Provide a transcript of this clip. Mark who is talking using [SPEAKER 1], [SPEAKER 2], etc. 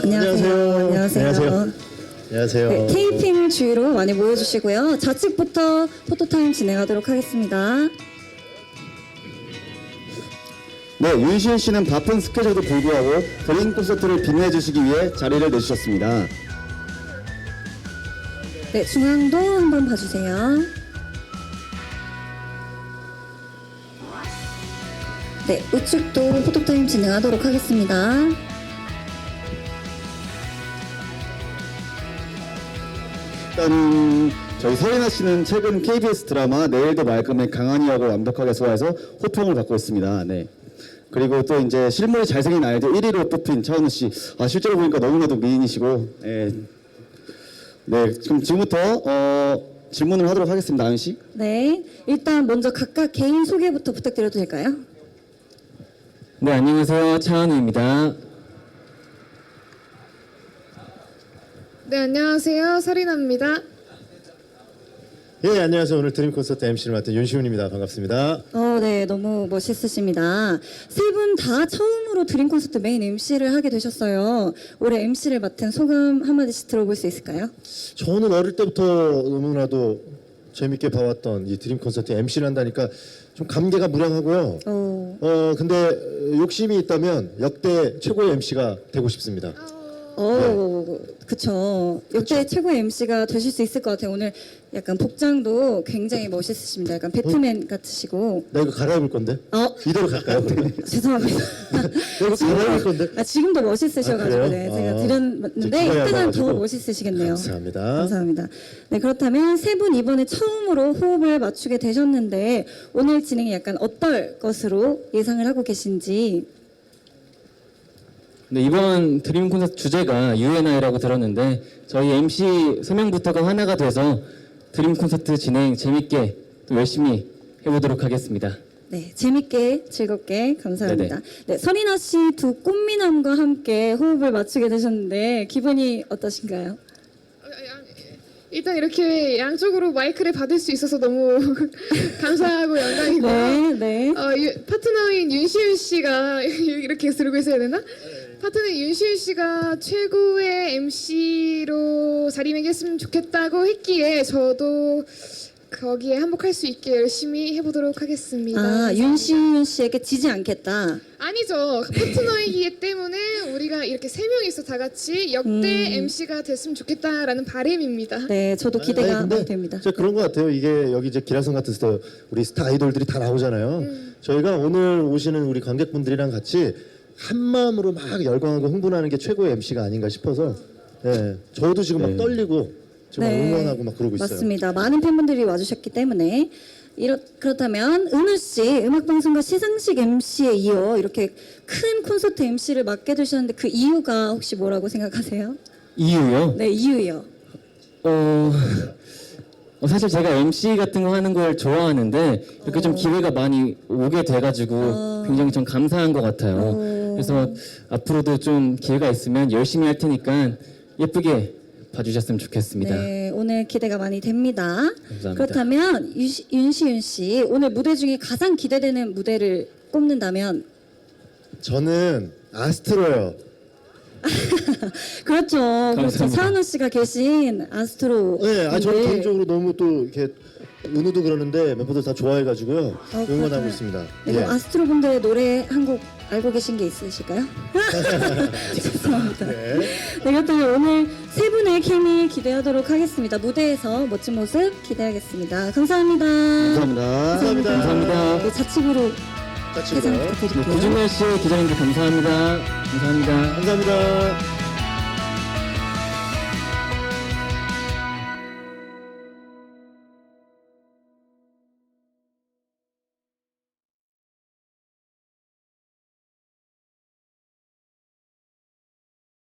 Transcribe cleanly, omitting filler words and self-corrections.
[SPEAKER 1] 안녕하세요.
[SPEAKER 2] 안녕하세요. 안녕하세요.
[SPEAKER 1] 네, 테이핑을 주위로 많이 모여주시고요. 좌측부터 포토타임 진행하도록 하겠습니다.
[SPEAKER 3] 네, 윤시은 씨는 바쁜 스케줄에도 불구하고 드림 콘서트를 빛내주시기 위해 자리를 내주셨습니다.
[SPEAKER 1] 네, 중앙도 한번 봐주세요. 네, 우측도 포토타임 진행하도록 하겠습니다.
[SPEAKER 3] 일단 저희 서리나 씨는 최근 KBS 드라마 내일도 말끔의 강한이하고 완벽하게 소화해서 호평을 받고 있습니다. 네. 그리고 또 이제 실물이 잘생긴 아이돌 1위로 뽑힌 차은우 씨. 아, 실제로 보니까 너무나도 미인이시고. 네. 네, 그럼 지금부터 질문을 하도록 하겠습니다. 아은 씨.
[SPEAKER 1] 네, 일단 먼저 각각 개인 소개부터 부탁드려도 될까요?
[SPEAKER 4] 네, 안녕하세요. 차은우입니다.
[SPEAKER 5] 네, 안녕하세요. 서리나입니다.
[SPEAKER 2] 예, 안녕하세요. 오늘 드림 콘서트 MC를 맡은 윤시훈입니다. 반갑습니다.
[SPEAKER 1] 네, 너무 멋있으십니다. 세 분 다 처음으로 드림 콘서트 메인 MC를 하게 되셨어요. 올해 MC를 맡은 소감 한마디씩 들어볼 수 있을까요?
[SPEAKER 2] 저는 어릴 때부터 너무나도 재밌게 봐왔던 이 드림 콘서트 MC를 한다니까 좀 감개가 무량하고요. 근데 욕심이 있다면 역대 최고의 MC가 되고 싶습니다.
[SPEAKER 1] 그쵸. 역대 최고의 MC가 되실 수 있을 것 같아요. 오늘 약간 복장도 굉장히 멋있으십니다. 약간 배트맨 같으시고.
[SPEAKER 2] 나 이거 갈아입을 건데? 이대로 갈까요? 그러면?
[SPEAKER 1] 죄송합니다.
[SPEAKER 2] 나 이거 갈아입을 건데?
[SPEAKER 1] 지금도 멋있으셔가지고,
[SPEAKER 2] 아,
[SPEAKER 1] 네,
[SPEAKER 2] 그래요?
[SPEAKER 1] 제가 드렸는데,
[SPEAKER 2] 기가에
[SPEAKER 1] 이때는 더
[SPEAKER 2] 와가지고.
[SPEAKER 1] 멋있으시겠네요.
[SPEAKER 2] 감사합니다.
[SPEAKER 1] 감사합니다. 네, 그렇다면 세 분 이번에 처음으로 호흡을 맞추게 되셨는데, 오늘 진행이 약간 어떨 것으로 예상을 하고 계신지.
[SPEAKER 4] 네, 이번 드림 콘서트 주제가 UNI라고 들었는데 저희 MC 3명부터가 하나가 돼서 드림 콘서트 진행 재밌게 또 열심히 해보도록 하겠습니다.
[SPEAKER 1] 네, 재밌게 즐겁게 감사합니다. 네, 서리나 씨 두 꽃미남과 함께 호흡을 맞추게 되셨는데 기분이 어떠신가요?
[SPEAKER 5] 일단 이렇게 양쪽으로 마이크를 받을 수 있어서 너무 감사하고 영광이고요.
[SPEAKER 1] 네, 네.
[SPEAKER 5] 파트너인 윤시윤 씨가 이렇게 들고 있어야 되나? 파트너인 윤시윤 씨가 최고의 MC로 자리매겼으면 좋겠다고 했기에 저도 거기에 한복할 수 있게 열심히 해보도록 하겠습니다.
[SPEAKER 1] 아, 윤시윤 씨에게 지지 않겠다.
[SPEAKER 5] 아니죠. 파트너이기 때문에 우리가 이렇게 세 명이서 다 같이 역대 MC가 됐으면 좋겠다라는 바람입니다.
[SPEAKER 1] 네, 저도 기대가
[SPEAKER 2] 근데
[SPEAKER 1] 많이 됩니다.
[SPEAKER 2] 진짜 그런 것 같아요. 이게 여기 이제 기라성 같은 데서 우리 스타 아이돌들이 다 나오잖아요. 저희가 오늘 오시는 우리 관객분들이랑 같이 한 마음으로 막 열광하고 흥분하는 게 최고의 MC가 아닌가 싶어서 네, 저도 지금 막 떨리고 지금 막 응원하고 막 그러고 있어요.
[SPEAKER 1] 맞습니다. 많은 팬분들이 와주셨기 때문에 그렇다면 은우 씨 음악방송과 시상식 MC에 이어 이렇게 큰 콘서트 MC를 맡게 되셨는데 그 이유가 혹시 뭐라고 생각하세요?
[SPEAKER 4] 이유요?
[SPEAKER 1] 네, 이유요.
[SPEAKER 4] 사실 제가 MC 같은 거 하는 걸 좋아하는데 이렇게 좀 기회가 많이 오게 돼가지고 굉장히 좀 감사한 것 같아요. 그래서 앞으로도 좀 기회가 있으면 열심히 할 테니까 예쁘게 봐주셨으면 좋겠습니다.
[SPEAKER 1] 네, 오늘 기대가 많이 됩니다.
[SPEAKER 4] 감사합니다.
[SPEAKER 1] 그렇다면 윤시윤 씨 오늘 무대 중에 가장 기대되는 무대를 꼽는다면
[SPEAKER 2] 저는 아스트로요.
[SPEAKER 1] 그렇죠. 그렇죠.
[SPEAKER 4] 감사합니다.
[SPEAKER 1] 차은우 씨가 계신 아스트로.
[SPEAKER 2] 네, 저는 개인적으로 너무 또 이렇게 은우도 그러는데 멤버들 다 좋아해가지고요. 응원하고
[SPEAKER 1] 그렇구나.
[SPEAKER 2] 있습니다.
[SPEAKER 1] 네, 그럼 아스트로 분들의 노래 한 곡 알고 계신 게 있으실까요? 죄송합니다. 네, 그렇다면 오늘 세 분의 케미 기대하도록 하겠습니다. 무대에서 멋진 모습 기대하겠습니다. 감사합니다.
[SPEAKER 3] 감사합니다.
[SPEAKER 4] 감사합니다.
[SPEAKER 1] 네, 좌측으로
[SPEAKER 2] 같이
[SPEAKER 1] 개장
[SPEAKER 2] 봐요.
[SPEAKER 1] 부탁드릴게요.
[SPEAKER 4] 고준열 씨 기자님들 감사합니다. 감사합니다.
[SPEAKER 2] 감사합니다.